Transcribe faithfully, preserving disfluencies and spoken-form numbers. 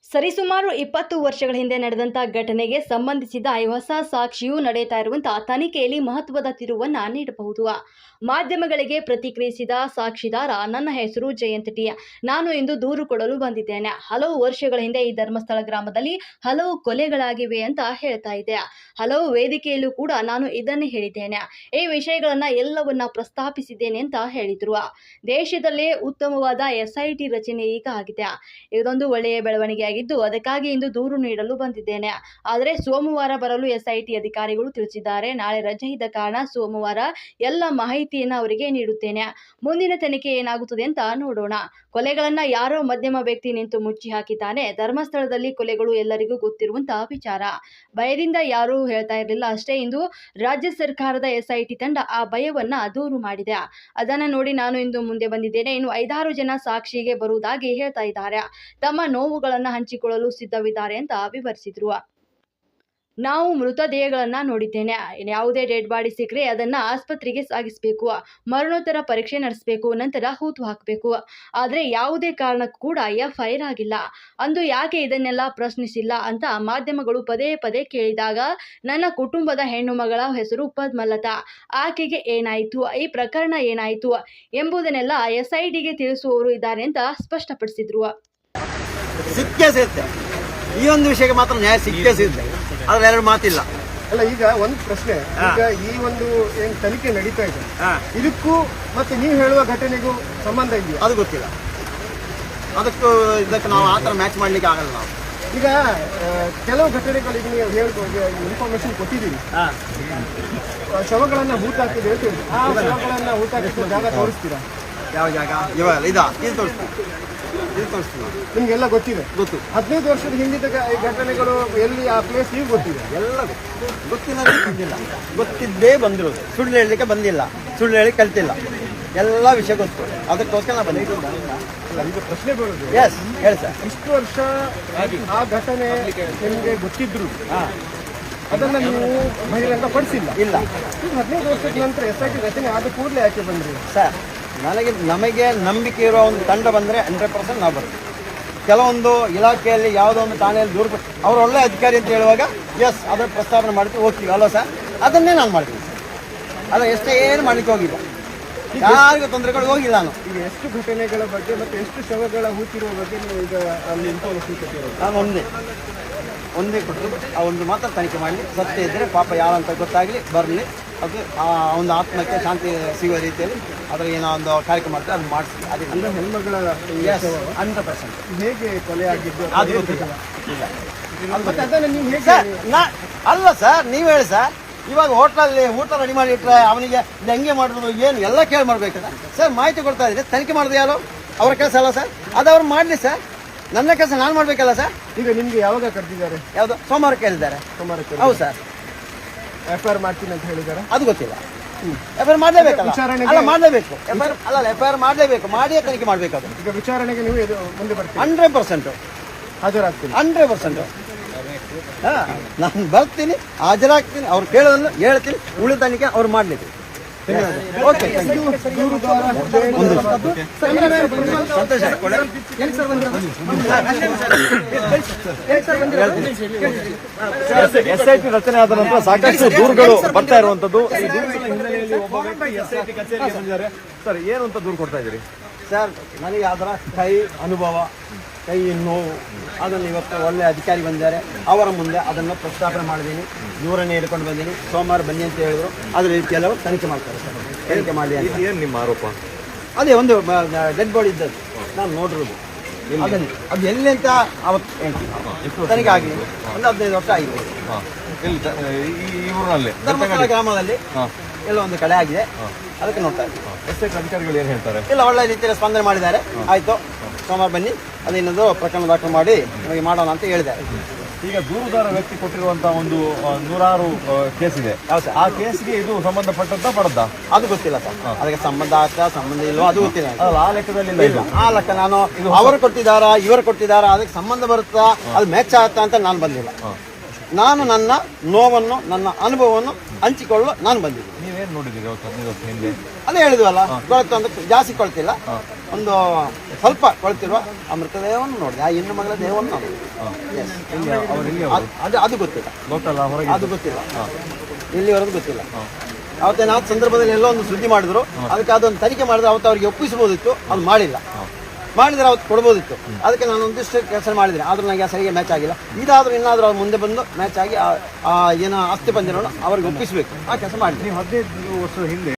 ಸರಿಸುಮಾರು ಇಪ್ಪತ್ತು ವರ್ಷಗಳ ಹಿಂದೆ ನಡೆದಂಥ ಘಟನೆಗೆ ಸಂಬಂಧಿಸಿದ ಹೊಸ ಸಾಕ್ಷಿಯು ನಡೆಯುತ್ತಾ ಇರುವಂತಹ ತನಿಖೆಯಲ್ಲಿ ಮಹತ್ವದ ತಿರುವನ್ನು ನೀಡಬಹುದು. ಮಾಧ್ಯಮಗಳಿಗೆ ಪ್ರತಿಕ್ರಿಯಿಸಿದ ಸಾಕ್ಷಿದಾರ, ನನ್ನ ಹೆಸರು ಜಯಂತ್ ಟಿ. ನಾನು ಇಂದು ದೂರು ಕೊಡಲು ಬಂದಿದ್ದೇನೆ. ಹಲವು ವರ್ಷಗಳ ಹಿಂದೆ ಈ ಧರ್ಮಸ್ಥಳ ಗ್ರಾಮದಲ್ಲಿ ಹಲವು ಕೊಲೆಗಳಾಗಿವೆ ಅಂತ ಹೇಳ್ತಾ ಇದ್ದೆ. ಹಲವು ವೇದಿಕೆಯಲ್ಲೂ ಕೂಡ ನಾನು ಇದನ್ನೇ ಹೇಳಿದ್ದೇನೆ. ಈ ವಿಷಯಗಳನ್ನ ಎಲ್ಲವನ್ನ ಪ್ರಸ್ತಾಪಿಸಿದ್ದೇನೆ ಅಂತ ಹೇಳಿದ್ರು. ದೇಶದಲ್ಲೇ ಉತ್ತಮವಾದ ಎಸ್ ಐ ಟಿ ರಚನೆ ಈಗ ಆಗಿದೆ. ಇದೊಂದು ಒಳ್ಳೆಯ ಬೆಳವಣಿಗೆ ಆಗಿದ್ದು, ಅದಕ್ಕಾಗಿ ಇಂದು ದೂರು ನೀಡಲು ಬಂದಿದ್ದೇನೆ. ಆದರೆ ಸೋಮವಾರ ಬರಲು ಎಸ್ ಐ ಟಿ ಅಧಿಕಾರಿಗಳು ತಿಳಿಸಿದ್ದಾರೆ. ನಾಳೆ ರಜೆ ಇದ್ದ ಕಾರಣ ಸೋಮವಾರ ಎಲ್ಲ ಮಾಹಿತಿಯನ್ನು ಅವರಿಗೆ ನೀಡುತ್ತೇನೆ. ಮುಂದಿನ ತನಿಖೆ ಏನಾಗುತ್ತದೆ ಅಂತ ನೋಡೋಣ. ಕೊಲೆಗಳನ್ನ ಯಾರೋ ಮಧ್ಯಮ ವ್ಯಕ್ತಿ ನಿಂತು ಮುಚ್ಚಿ ಹಾಕಿದ್ದಾನೆ. ಧರ್ಮಸ್ಥಳದಲ್ಲಿ ಕೊಲೆಗಳು ಎಲ್ಲರಿಗೂ ಗೊತ್ತಿರುವಂತಹ ವಿಚಾರ. ಭಯದಿಂದ ಯಾರೂ ಹೇಳ್ತಾ ಇರಲಿಲ್ಲ ಅಷ್ಟೇ. ಇಂದು ರಾಜ್ಯ ಸರ್ಕಾರದ ಎಸ್ ಐ ಟಿ ತಂಡ ಆ ಭಯವನ್ನ ದೂರು ಮಾಡಿದೆ. ಅದನ್ನ ನೋಡಿ ನಾನು ಇಂದು ಮುಂದೆ ಬಂದಿದ್ದೇನೆ. ಇನ್ನು ಐದಾರು ಜನ ಸಾಕ್ಷಿಗೆ ಬರುವುದಾಗಿ ಹೇಳ್ತಾ ಇದ್ದಾರೆ. ತಮ್ಮ ನೋವುಗಳನ್ನು ಹಂಚಿಕೊಳ್ಳಲು ಸಿದ್ಧವಿದ್ದಾರೆ ಅಂತ ವಿವರಿಸಿದ್ರು. ನಾವು ಮೃತದೇಹಗಳನ್ನ ನೋಡಿದ್ದೇನೆ. ಯಾವುದೇ ಡೆಡ್ ಬಾಡಿ ಸಿಕ್ಕರೆ ಅದನ್ನ ಆಸ್ಪತ್ರೆಗೆ ಸಾಗಿಸಬೇಕು, ಮರಣೋತ್ತರ ಪರೀಕ್ಷೆ ನಡೆಸಬೇಕು, ನಂತರ ಹೂತು ಹಾಕಬೇಕು. ಆದರೆ ಯಾವುದೇ ಕಾರಣಕ್ಕೂ ಕೂಡ ಎಫ್ ಐ ಆರ್ ಆಗಿಲ್ಲ. ಅಂದು ಯಾಕೆ ಇದನ್ನೆಲ್ಲ ಪ್ರಶ್ನಿಸಿಲ್ಲ ಅಂತ ಮಾಧ್ಯಮಗಳು ಪದೇ ಪದೇ ಕೇಳಿದಾಗ, ನನ್ನ ಕುಟುಂಬದ ಹೆಣ್ಣು ಮಗಳ ಹೆಸರು ಪದ್ಮಲತಾ, ಆಕೆಗೆ ಏನಾಯಿತು, ಈ ಪ್ರಕರಣ ಏನಾಯಿತು ಎಂಬುದನ್ನೆಲ್ಲ ಎಸ್ ಐ ಟಿಗೆ ತಿಳಿಸುವವರು ಇದ್ದಾರೆ ಅಂತ ಸ್ಪಷ್ಟಪಡಿಸಿದ್ರು. ಸಿಕ್ಕೇ ಸಿಗುತ್ತೆ. ಈ ಒಂದು ವಿಷಯಕ್ಕೆ ಮಾತ್ರ ನ್ಯಾಯ ಸಿಕ್ಕೇ ಸಿಗುತ್ತೆ. ಅದ್ರ ಎರಡು ಮಾತಿಲ್ಲ. ಅಲ್ಲ, ಈಗ ಒಂದು ಪ್ರಶ್ನೆ, ಈಗ ಈ ಒಂದು ಏನ್ ತನಿಖೆ ನಡೀತಾ ಇದೆ, ಇದಕ್ಕೂ ಮತ್ತೆ ನೀವು ಹೇಳುವ ಘಟನೆಗೂ ಸಂಬಂಧ ಇದೆಯಾ? ಅದು ಗೊತ್ತಿಲ್ಲ. ಅದಕ್ಕೂ ಇದಕ್ಕೆ ನಾವು ಆತರ ಮ್ಯಾಚ್ ಮಾಡ್ಲಿಕ್ಕೆ ಆಗಲ್ಲ. ನಾವು ಈಗ ಕೆಲವು ಘಟನೆಗಳಿಗೆ ನೀವು ಹೇಳ್ಬೋದು, ಇನ್ಫಾರ್ಮೇಶನ್ ಕೊಟ್ಟಿದ್ದೀವಿ, ಶವಗಳನ್ನ ಹೂತಾಕಿದೆ ಅಂತ ಹೇಳಿ. ಆ ಶವಗಳನ್ನ ಹೂತಾಕಿದ ಜಾಗ ತೋರಿಸ್ತೀರಾ? ಯಾವ ಜಾಗ? ಇವಾಗ ಇದಾ ಇದು ತೋರಿಸ್ತೀವಿ, ಇದು ತೋರಿಸ್ತೀವಿ. ನಿಮ್ಗೆಲ್ಲ ಗೊತ್ತಿದೆ? ಗೊತ್ತು. ಹದಿನೈದು ವರ್ಷದ ಹಿಂದಿನ ಘಟನೆಗಳು ಎಲ್ಲಿ ಆ ಪ್ಲೇಸ್ ಈಗ ಗೊತ್ತಿದೆ? ಎಲ್ಲ ಗೊತ್ತಿಲ್ಲ, ಬಂದಿಲ್ಲ. ಗೊತ್ತಿದ್ದೇ ಬಂದಿರೋದು. ಸುಳ್ಳು ಹೇಳಲಿಕ್ಕೆ ಬಂದಿಲ್ಲ, ಸುಳ್ಳು ಹೇಳಿ ಕಲ್ತಿಲ್ಲ. ಎಲ್ಲ ವಿಷಯ ಗೊತ್ತು. ಅದಕ್ಕೋಸ್ಕರ ನಾ ಬಂದಿದ್ದು. ಈಗ ಪ್ರಶ್ನೆ ಬರೋದು, ಎಸ್ ಹೇಳಿ ಸರ್. ಇಷ್ಟು ವರ್ಷ ಆ ಘಟನೆ ನಿಮಗೆ ಗೊತ್ತಿದ್ರು ಅದನ್ನ ನೀವು ಬಹಿರಂಗ ಪಡಿಸಿಲ್ಲ. ಇಲ್ಲ. ಈಗ ಹದಿನೈದು ವರ್ಷದ ನಂತರ ಎಸ್ ಐ ಟಿ ರಚನೆ ಆದ ಕೂಡಲೇ ಯಾಕೆ ಬಂದ್ರಿ ಸರ್? ನನಗೆ ನಮಗೆ ನಂಬಿಕೆ ಇರೋ ಒಂದು ತಂಡ ಬಂದರೆ ಹಂಡ್ರೆಡ್ ಪರ್ಸೆಂಟ್ ನಾವು ಬರ್ತೀವಿ. ಕೆಲವೊಂದು ಇಲಾಖೆಯಲ್ಲಿ ಯಾವುದೋ ಒಂದು ಠಾಣೆಯಲ್ಲಿ ದೂರ ಅವ್ರು ಒಳ್ಳೆ ಅಧಿಕಾರಿ ಅಂತ ಹೇಳುವಾಗ ಎಸ್ ಅದರ ಪ್ರಸ್ತಾವನೆ ಮಾಡ್ತೀವಿ, ಹೋಗ್ತೀವಿ ಅಲ್ವಾ ಸರ್? ಅದನ್ನೇ ನಾನು ಮಾಡ್ತೀನಿ ಸರ್. ಅಲ್ಲ, ಎಷ್ಟೇ ಏನು ಮಾಡಲಿಕ್ಕೆ ಹೋಗಿಲ್ಲ, ಯಾರಿಗೂ ತೊಂದರೆಗಳು ಹೋಗಿಲ್ಲ. ನಾನು ಈಗ ಎಷ್ಟು ಘಟನೆಗಳ ಬಗ್ಗೆ ಮತ್ತು ಎಷ್ಟು ಶವಗಳ ಹೂತಿರುವ ಬಗ್ಗೆ ನೀವು ಈಗ ಅಲ್ಲಿ ಇನ್ಫಾರ್ಮೇಶನ್ ಕೊಟ್ಟಿರೋದು? ನಾನು ಒಂದೇ ಒಂದೇ ಕೊಟ್ಟರು. ಆ ಒಂದು ಮಾತ್ರ ತನಿಖೆ ಮಾಡಲಿ, ಸತ್ಯ ಇದ್ದರೆ ಪಾಪ ಯಾರಂತ ಗೊತ್ತಾಗಲಿ, ಬರಲಿ. ಅದು ಆ ಒಂದು ಆತ್ಮಕ್ಕೆ ಶಾಂತಿ ಸಿಗುವ ರೀತಿಯಲ್ಲಿ ಅದರ ಏನೋ ಒಂದು ಕಾರ್ಯಕ್ರಮ ಮಾಡ್ತಾರೆ, ಅದು ಮಾಡಿಸಿ. ಅದೇ ಅಂದರೆ ಹೆಣ್ಮಗಳ ಹಂಡ್ರೆಡ್ ಪರ್ಸೆಂಟ್ ಹೇಗೆ ಕೊಲೆ ಆಗಿದ್ದು ಅದು ಗೊತ್ತಿಲ್ಲ. ಇಲ್ಲ ಮತ್ತೆ ಅದನ್ನು ನೀವು ಹೇಗೆ? ಸರ್ ನಾ ಅಲ್ಲ ಸರ್, ನೀವು ಹೇಳಿ ಸರ್. ಇವಾಗ ಹೋಟ್ಲಲ್ಲಿ ಊಟ ರೆಡಿ ಮಾಡಿಟ್ರೆ ಅವನಿಗೆ ಇದು ಹೆಂಗೆ ಮಾಡೋದು ಏನು ಎಲ್ಲ ಕೇಳಿ ಮಾಡ್ಬೇಕಲ್ಲ ಸರ್. ಮಾಹಿತಿ ಕೊಡ್ತಾ ಇದ್ರೆ ತನಿಖೆ ಮಾಡೋದು ಯಾರು? ಅವರ ಕೆಲಸ ಅಲ್ಲ ಸರ್. ಅದು ಅವ್ರು ಮಾಡಲಿ ಸರ್. ನನ್ನ ಕೆಲಸ ನಾನು ಮಾಡಬೇಕಲ್ಲ ಸರ್. ಈಗ ನಿಮಗೆ ಯಾವಾಗ ಕರೆದಿದ್ದಾರೆ? ಯಾವುದು? ಸೋಮವಾರ ಕೇಳಿದ್ದಾರೆ. ಸೋಮವಾರ? ಹೌದು ಸರ್. ಎಫ್ ಐ ಆರ್ ಮಾಡ್ತೀನಿ ಅಂತ ಹೇಳಿದ್ದಾರೆ? ಅದು ಗೊತ್ತಿಲ್ಲ. ಎಫ್ ಐ ಆರ್ ಮಾಡಲೇಬೇಕಲ್ಲ? ಅಲ್ಲ, ಮಾಡಲೇಬೇಕು. ಎಫ್ ಐ ಆರ್ ಅಲ್ಲ ಎಫ್ ಐ ಆರ್ ಮಾಡಲೇಬೇಕು. ಮಾಡಿಯೇ ತನಿಖೆ ಮಾಡಬೇಕು. ಅದು ಈಗ ವಿಚಾರಣೆಗೆ ನೀವು ಇದು ಮುಂದೆ ಬರ್ತೀವಿ? ಹಂಡ್ರೆಡ್ ಪರ್ಸೆಂಟ್ ಹಾಜರಾಗ್ತೀನಿ. ಹಂಡ್ರೆಡ್ ಪರ್ಸೆಂಟ್ ಹಾಂ, ನಾನು ಬರ್ತೀನಿ, ಹಾಜರಾಗ್ತೀನಿ. ಅವ್ರು ಕೇಳೋದನ್ನು ಹೇಳ್ತೀನಿ. ಉಳಿದ ತನಿಖೆ ಅವ್ರು ಮಾಡಲಿಕ್ಕೆ. ಓಕೆ, ಎಸ್ ಐ ಟಿ ರಚನೆ ಆದ ನಂತರ ಸಾಕಷ್ಟು ದೂರುಗಳು ಬರ್ತಾ ಇರುವಂತದ್ದು. ಈ ದೂರುಗಳ ಹಿನ್ನೆಲೆಯಲ್ಲಿ ಒಬ್ಬ ವ್ಯಕ್ತಿ ಎಸ್ ಐ ಟಿ ಕಚೇರಿಗೆ ಬಂದಿದ್ದಾರೆ. ಸರ್, ಏನು ಅಂತ ದೂರು ಕೊಡ್ತಾ ಇದ್ದೀರಿ? ಸರ್, ನನಗೆ ಅದರ ಕೈ ಅನುಭವ, ಕೈ ನೋವು, ಅದನ್ನು ಇವತ್ತು ಒಳ್ಳೆ ಅಧಿಕಾರಿ ಬಂದಿದ್ದಾರೆ. ಅವರ ಮುಂದೆ ಅದನ್ನು ಪ್ರಸ್ತಾಪನೆ ಮಾಡಿದ್ದೀನಿ. ದೂರನೇ ಹಿಡ್ಕೊಂಡು ಬಂದೀನಿ. ಸೋಮವಾರ ಬನ್ನಿ ಅಂತ ಹೇಳಿದ್ರು. ಅದ್ರ ಕೆಲವು ತನಿಖೆ ಮಾಡ್ತಾರೆ ಸರ್. ತನಿಖೆ ಮಾಡಿ. ಏನು ನಿಮ್ಮ ಆರೋಪ? ಅದೇ ಒಂದು ಡೆಡ್ ಬಾಡಿ ಇದ್ದದ್ದು ನಾನು ನೋಡಿರೋದು. ಅದನ್ನು ಅದು ಎಲ್ಲಿ ಅಂತ ಅವತ್ತು ತನಿಖೆ ಆಗಿ ಒಂದು ಹದಿನೈದು ವರ್ಷ ಆಗಿದೆ. ಈ ಊರಿನಲ್ಲಿ ಧರ್ಮಸ್ಥಳ ಗ್ರಾಮದಲ್ಲಿ ಎಲ್ಲ ಒಂದು ಕಡೆ ಆಗಿದೆ. ಅದಕ್ಕೆ ನೋಡ್ತಾ ಇದ್ದೀವಿ. ಎಸ್ ಐ ಟಿ ಅಧಿಕಾರಿಗಳು ಏನು ಹೇಳ್ತಾರೆ? ಇಲ್ಲ, ಒಳ್ಳೆ ರೀತಿಯಲ್ಲಿ ಸ್ಪಂದನೆ ಮಾಡಿದ್ದಾರೆ. ಆಯಿತು, ಸೋಮವಾರ ಬನ್ನಿ, ಅದೇನದು ಪ್ರಕರಣ ದಾಖಲು ಮಾಡಿ ನಮಗೆ ಮಾಡೋಣ ಅಂತ ಹೇಳಿದ್ದಾರೆ. ಈಗ ದೂರುದಾರ ವ್ಯಕ್ತಿ ಕೊಟ್ಟಿರುವಂತಹ ಒಂದು ನೂರಾರು ಕೇಸ್ ಇದೆ. ಆ ಕೇಸ್ಗೆ ಇದು ಸಂಬಂಧಪಟ್ಟಂತ ಪಡದ್ದ? ಅದು ಗೊತ್ತಿಲ್ಲ ಸರ್. ಅದಕ್ಕೆ ಸಂಬಂಧ ಆಗ್ತಾ ಸಂಬಂಧ ಇಲ್ವೋ ಅದು ಗೊತ್ತಿಲ್ಲ. ಆ ಲೆಕ್ಕದಲ್ಲಿ ಇಲ್ಲ. ಆ ಲೆಕ್ಕ ನಾನು ಅವರು ಕೊಟ್ಟಿದ್ದಾರಾ ಇವರು ಕೊಟ್ಟಿದ್ದಾರಾ ಅದಕ್ಕೆ ಸಂಬಂಧ ಬರುತ್ತಾ, ಅದು ಮ್ಯಾಚ್ ಆಗುತ್ತಾ ಅಂತ ನಾನು ಬಂದಿಲ್ಲ. ನಾನು ನನ್ನ ನೋವನ್ನು, ನನ್ನ ಅನುಭವವನ್ನು ಹಂಚಿಕೊಳ್ಳಲು ನಾನು ಬಂದಿದ್ದೀನಿ. ನೀವೇನು ನೋಡಿದ್ದೀರಿ ಹದಿನೈದು ವರ್ಷ ಹಿಂದೆ? ಅದೇ ಹೇಳಿದ್ವಲ್ಲ, ಕೊಳತು ಅಂತ ಜಾಸ್ತಿ ಕೊಳ್ತಿಲ್ಲ. ಒಂದು ಸ್ವಲ್ಪ ಕೊಳ್ತಿರುವ ಆ ಮೃತದೇಹವನ್ನು ನೋಡಿದೆ, ಆ ಹೆಣ್ಣು ಮಗಳ ದೇಹವನ್ನು ನೋಡಿದೆ. Yes. ಅದು- ಅದು ಅದು ಗೊತ್ತಿಲ್ಲ, ಲೋಕಲ್ ಹೊರಗೆ ಅದು ಗೊತ್ತಿಲ್ಲ, ಇಲ್ಲಿವರೆಗೂ ಗೊತ್ತಿಲ್ಲ. ಅವತ್ತೇನು ಆ ಸಂದರ್ಭದಲ್ಲಿ ಎಲ್ಲೋ ಒಂದು ಸುದ್ದಿ ಮಾಡಿದ್ರು, ಅದಕ್ಕೆ ಅದೊಂದು ತನಿಖೆ ಮಾಡಿದ್ರೆ ಅವತ್ತು ಅವರಿಗೆ ಒಪ್ಪಿಸಬಹುದಿತ್ತು, ಅದು ಮಾಡಿಲ್ಲ. ಮಾಡಿದ್ರೆ ಅವತ್ತು ಕೊಡ್ಬೋದಿತ್ತು. ಅದಕ್ಕೆ ನಾನು ಒಂದಿಷ್ಟು ಕೆಲಸ ಮಾಡಿದ್ದೀನಿ, ಆದ್ರೂ ನನಗೆ ಸರಿಗೆ ಮ್ಯಾಚ್ ಆಗಿಲ್ಲ. ಇದಾದ್ರೂ ಇನ್ನಾದ್ರೂ ಅವ್ರು ಮುಂದೆ ಬಂದು ಮ್ಯಾಚ್ ಆಗಿ ಆ- ಆ ಏನೋ ಆಸ್ತಿ ಪಂದ್ಯವನ್ನು ಅವ್ರಿಗೆ ಒಪ್ಪಿಸಬೇಕು, ಆ ಕೆಲಸ ಮಾಡಿದ್ದೀನಿ. ನೀವು ಹದಿನೈದು ವರ್ಷದ ಹಿಂದೆ